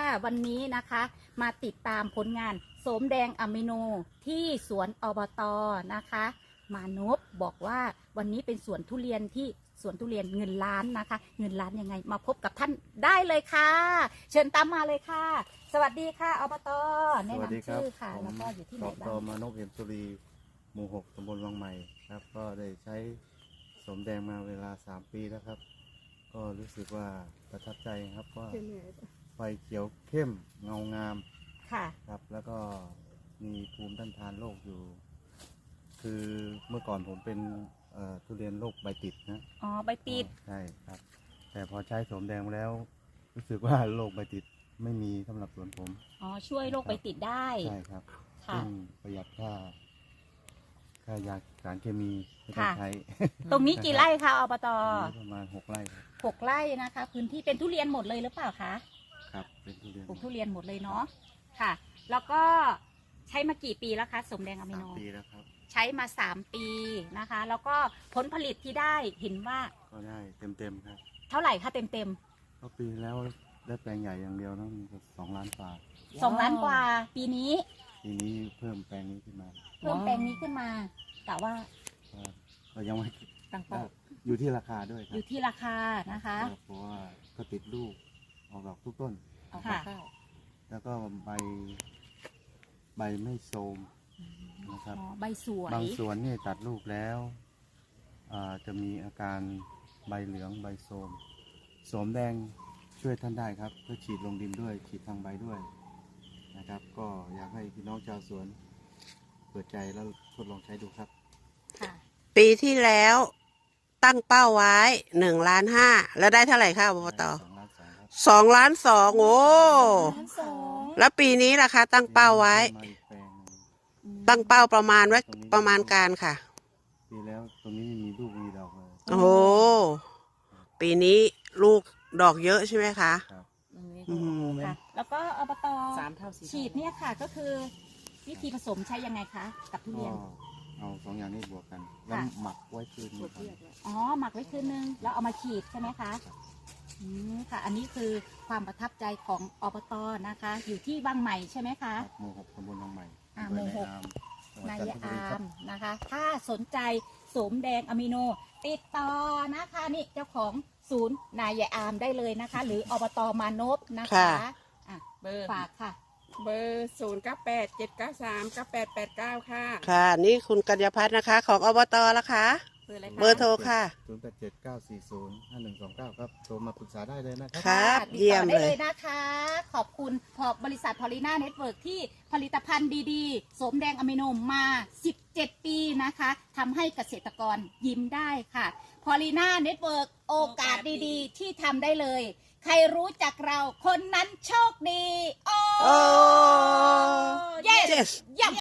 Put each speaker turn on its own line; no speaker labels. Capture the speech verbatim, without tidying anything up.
วันนี้นะคะมาติดตามผลงานโสมแดงอะมิโนที่สวนอบต.นะคะมานพบอกว่าวันนี้เป็นสวนทุเรียนที่สวนทุเรียนเงินล้านนะคะเงินล้านยังไงมาพบกับท่านได้เลยค่ะ เชิญตามมาเลยค่ะ สวัสดีค่ะอบต.แนะนำชื่อค่ะแล้วก็อยู่ที่ไหนบ้าง
มานพเอี่ยมสุรีหมู่หกตำบลวังใหม่ครับก็ได้ใช้โสมแดงมาเวลาสามปีแล้วครับก็รู้สึกว่าประทับใจครับว่าไฟเขียวเข้มเงางาม
ค่ะ
ครับแล้วก็มีภูมิต้านทานโรคอยู่ คือเมื่อก่อนผมเป็นทุเรียนโรคใบติดนะ
อ๋อใบติด
ใช่ครับแต่พอใช้โสมแดงแล้ว รู้สึกว่าโรคใบติดไม่มีสำหรับสวนผม
อ๋อช่วยโรคใบติดได้
ใช่ครับ
ค่ะ
ประหยัดค่าค่ายาสารเคมีไม่ต้องใช้
ตรงนี้กี่ไร่คะอบต.
ประมาณหกไร่ครับ
หกไร่นะคะพื้นที่เป็นทุเรียนหมดเลยหรือเปล่าคะ
ครับเป็นทุเรียน
ปลูกทุเรียนหมดเลยเนาะค่ะ แล้วก็ใช้มากี่ปีแล้วคะโสมแดงอะมิโน
สามปีแล้วครับ
ใช้มาสามปีนะคะ แล้วก็ผลผลิตที่ได้เห็นว่า
ก็ได้เต็มเต็มครับ
เท่าไหร่คะเต็มเต็ม
ก็ปีแล้วได้แปลงใหญ่อย่างเดียวนะมันก็สองล้านกว่า
สองล้านกว่าปีนี้
ปีนี้เพิ่มแปลงนี้ขึ้นมา
เพิ่มแปลงนี้ขึ้นมาแต่ว่า
เรายังไม่
ตั้งเป้า
อยู่ที่ราคาด้วยครับ
อยู่ที่ราคานะคะ
เพราะว่าก็ติดลูกออกดอกทุกต้น
ค่ะ
แล้วก็ใบใบไม่โทรมนะครับ
ใบสวย
บางสวนนี่ตัดลูกแล้วจะมีอาการใบเหลืองใบโทรมโสมแดงช่วยท่านได้ครับเพื่อฉีดลงดินด้วยฉีดทางใบด้วยนะครับก็อยากให้พี่น้องชาวสวนเปิดใจแล้วทดลองใช้ดูครับ
ปีที่แล้วตั้งเป้าไว้หนึ่งล้านห้าแล้วได้เท่าไหร่คะอบต.สองล้านสองโอ้แล้วปีนี้ล่ะคะตั้งเป้าไว้ตั้งเป้าประมาณไว้ประมาณการค่ะ
ปีแล้วตรงนี้มีลูกมีดอกเลย
โอ้ปีนี้ลูกดอกเยอะใช่ไหมคะ
ครับ
แล้วก็อบต.ฉีดเนี่ยค่ะก็คือวิธีผสมใช้ยังไงคะกับทุเรียน
เอาสองอย่างนี้บวกกันแล้วหมักไว้คืนนึง
อ๋อหมักไว้คืนนึงแล้วเอามาฉีดใช่ไหมคะอืมค่ะอันนี้คือความประทับใจของอบต.นะคะอยู่ที่บางใหม่ใช่ไหมคะ
หมู่หกตำบลบางใหม่
อ่าหมู่หกนายอามนะคะถ้าสนใจโสมแดงอะมิโนติดต่อนะคะนี่เจ้าของศูนย์นายอามได้เลยนะคะหรืออบต.มานพนะคะอ่ะเบอร์ฝากค่ะ
เบอร์ศูนย์เก้าแปดเจ็ดเก้าสามเก้าแปดแปดเก้าค่ะ
ค่ะนี่คุณกัญญาพัฒน์นะคะของอบต.ละคะเบอร์โทรค่ะ
ศูนย์แปดเจ็ดเก้าสี่ศูนย์ห้าหนึ่งสองเก้าครับโทรมาปรึกษาได้เลยนะครับ
ครับเยี่ยมเลย
นะคะขอบคุณขอบบริษัทพอลิน่าเน็ตเวิร์กที่ผลิตภัณฑ์ดีๆโสมแดงอะมิโนมาสิบเจ็ดปีนะคะทำให้เกษตรกรยิ้มได้ค่ะพอลิน่าเน็ตเวิร์กโอกาสดีๆที่ทำได้เลยใครรู้จักเราคนนั้นโชคดีโอ้
yes